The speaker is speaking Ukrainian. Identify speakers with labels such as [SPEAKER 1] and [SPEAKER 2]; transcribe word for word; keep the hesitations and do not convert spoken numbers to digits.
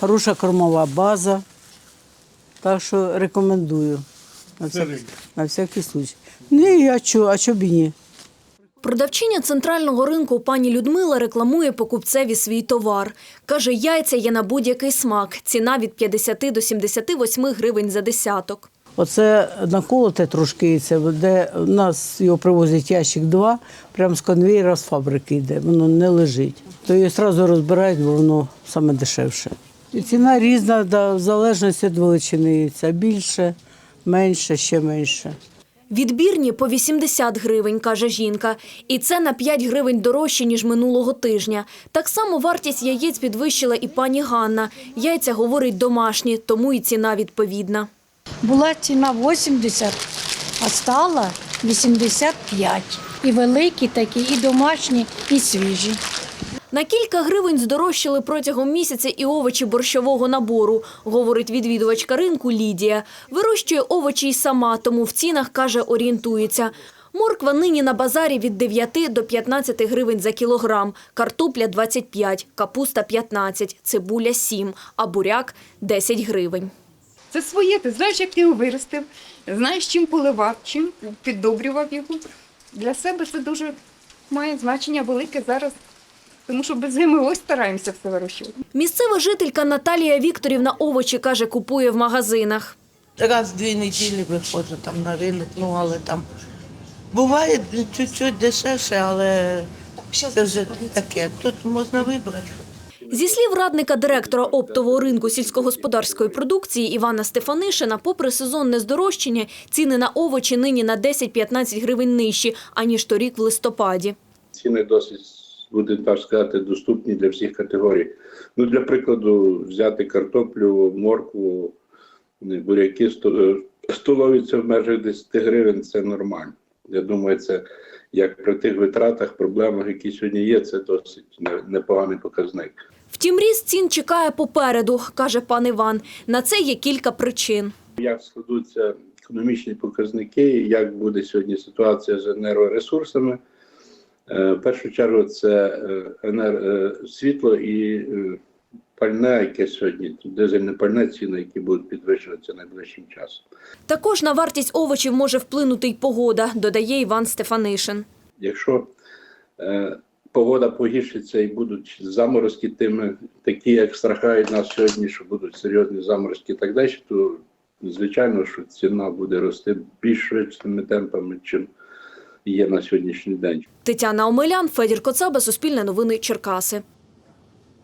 [SPEAKER 1] хороша кормова база. Так що рекомендую. На всякий, на всякий случай. Ні, а чого, а чого б і ні?
[SPEAKER 2] Продавчиня центрального ринку пані Людмила рекламує покупцеві свій товар. Каже, яйця є на будь-який смак. Ціна від п'ятдесяти до сімдесяти восьми гривень за десяток.
[SPEAKER 1] Оце наколоте трошки яйце, де в нас його привозять ящик два, прямо з конвейера, з фабрики йде, воно не лежить. То її одразу розбирають, бо воно саме дешевше. І ціна різна, да, в залежності від величини яйця. Більше, менше, ще менше.
[SPEAKER 2] Відбірні по вісімдесят гривень, каже жінка. І це на п'ять гривень дорожче, ніж минулого тижня. Так само вартість яєць підвищила і пані Ганна. Яйця, говорить, домашні, тому і ціна відповідна.
[SPEAKER 3] Була ціна вісімдесят, а стала вісімдесят п'ять. І великі такі, і домашні, і свіжі.
[SPEAKER 2] На кілька гривень здорожчали протягом місяця і овочі борщового набору, говорить відвідувачка ринку Лідія. Вирощує овочі й сама, тому в цінах, каже, орієнтується. Морква нині на базарі від дев'яти до п'ятнадцяти гривень за кілограм, картопля – двадцять п'ять, капуста – п'ятнадцять, цибуля – сім, а буряк – десять гривень.
[SPEAKER 4] Це своє, ти знаєш, як ти його виростив, знаєш, чим поливав, чим піддобрював його. Для себе це дуже має значення велике зараз, тому що без зими ось стараємося все вирощувати.
[SPEAKER 2] Місцева жителька Наталія Вікторівна овочі, каже, купує в магазинах.
[SPEAKER 5] Раз в дві неділі виходжу там на ринок, ну але там буває чуть-чуть дешевше, але це вже таке, тут можна вибрати.
[SPEAKER 2] Зі слів радника директора оптового ринку сільськогосподарської продукції Івана Стефанишина, попри сезонне здорожчання, ціни на овочі нині на десять-п'ятнадцять гривень нижчі, аніж торік в листопаді.
[SPEAKER 6] Ціни досить, будемо так сказати, доступні для всіх категорій. Ну, для прикладу, взяти картоплю, моркву, буряки, столові – це в межах десять гривень, це нормально. Я думаю, це як при тих витратах, проблемах, які сьогодні є, це досить непоганий показник.
[SPEAKER 2] Втім, ріст цін чекає попереду, каже пан Іван. На це є кілька причин.
[SPEAKER 6] Як складуться економічні показники, як буде сьогодні ситуація з енергоресурсами. В першу чергу це енер... світло і пальне, яке сьогодні, дизельне пальне, ціни, які будуть підвищуватися найближчим часом.
[SPEAKER 2] Також на вартість овочів може вплинути й погода, додає Іван Стефанишин.
[SPEAKER 6] Якщо е, погода погіршиться і будуть заморозки, тими, такі, як страхають нас сьогодні, що будуть серйозні заморозки і так далі, то звичайно, що ціна буде рости більш швидшими темпами, чим є на сьогоднішній день.
[SPEAKER 2] Тетяна Омелян, Федір Коцаба, Суспільне новини, Черкаси.